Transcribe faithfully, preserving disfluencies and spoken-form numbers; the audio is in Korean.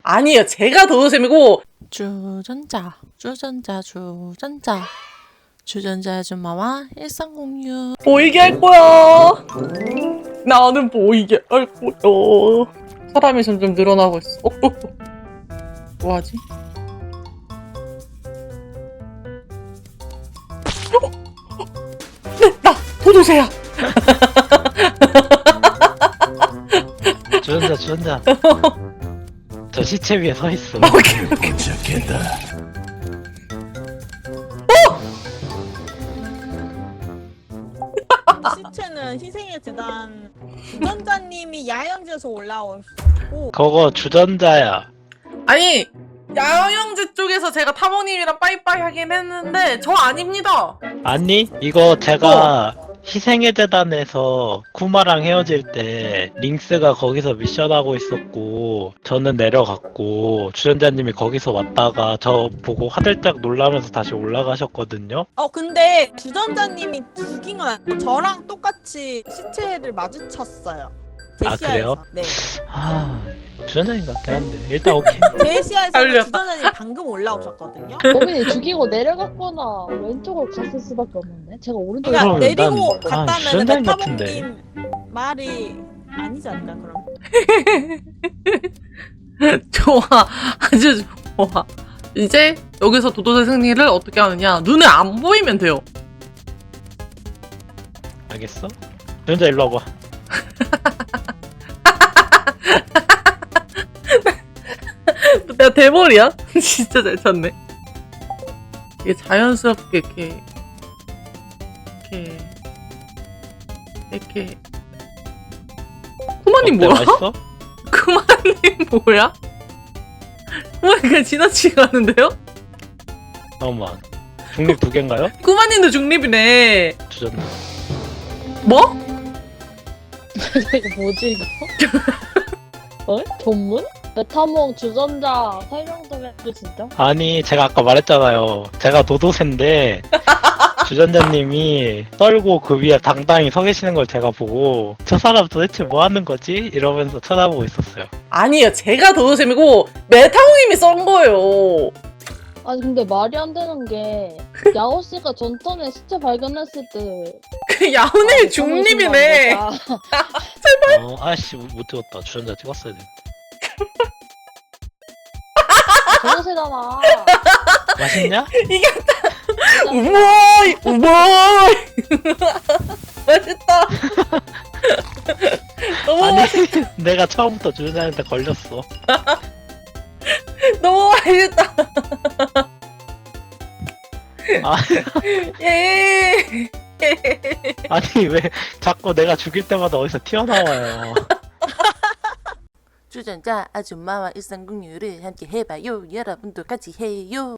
아니에요. 제가 도도쌤이고 주전자, 주전자, 주전자, 주전자 아줌마와 일상 공유. 보이게 할 거야. 나는 보이게 할 거야. 사람이 점점 늘어나고 있어. 어, 어, 어. 뭐하지? 어, 어. 네, 나 도도새야. 주전자 주전자 저 시체 위에 서 있어. 오케이, 오케이. 시체는 희생의 재단 주전자님이 야영지에서 올라오고 그거 주전자야. 아니 야영지 쪽에서 제가 타모님이랑 빠이빠이 하긴 했는데 저 아닙니다. 아니 이거 제가 희생의 재단에서 쿠마랑 헤어질 때 링스가 거기서 미션하고 있었고 저는 내려갔고 주전자님이 거기서 왔다가 저 보고 화들짝 놀라면서 다시 올라가셨거든요. 어 근데 주전자님이 죽인 건 아니고 저랑 똑같이 시체를 마주쳤어요. 아, 그래요? 제시아에서. 네. 아 주전자님 같긴 한데 일단 오케이. 제시아에서 살렸다. 주전자님 방금 올라오셨거든요. 범인이 죽이고 내려갔거나 왼쪽으로 갔을 수밖에 없는데 제가 오른쪽에 그러니까 그럼 내리고 난- 아, 갔다면 주전자님 같은데. 메타몽님 말이 아니지 않을까 그럼? 좋아. 아주 좋아. 이제 여기서 도도새 승리를 어떻게 하느냐. 눈에 안 보이면 돼요. 알겠어? 주전자 일로 와봐. 내가 대머리야? 진짜 잘 찾네. 이게 자연스럽게 이렇게 이렇게 이렇게 쿠마님 어때, 뭐야? 맛있어? 쿠마님 뭐야? 쿠마님 그냥 지나치게 가는데요? 잠깐만. 중립 두 개인가요? 쿠마님도 중립이네. 주전자. 뭐? 이거 뭐지 이거? 어? 전문? 메타몽 주전자 설명 좀 해줘 진짜? 아니 제가 아까 말했잖아요. 제가 도도새인데 주전자님이 떨고 그 위에 당당히 서 계시는 걸 제가 보고 저 사람 도대체 뭐 하는 거지? 이러면서 쳐다보고 있었어요. 아니에요. 제가 도도쌤이고 메타몽님이 썬 거예요. 아니 근데 말이 안 되는 게 야호 씨가 전턴에 시체 발견했을 때 그 야훈의 아, 중립이네. 아, 어, 아씨 못 찍었다. 주전자 찍었어야 돼. 저거세잖아. 맛있냐? 이겼다. 우모이 우모이. 맛있다. 너무 아니 맛있 내가 처음부터 주전자한테 걸렸어. 너무 맛있다. 아, 예. 아니 왜 자꾸 내가 죽일 때마다 어디서 튀어나와요. 주전자 아줌마와 일상 공유를 함께 해봐요. 여러분도 같이 해요.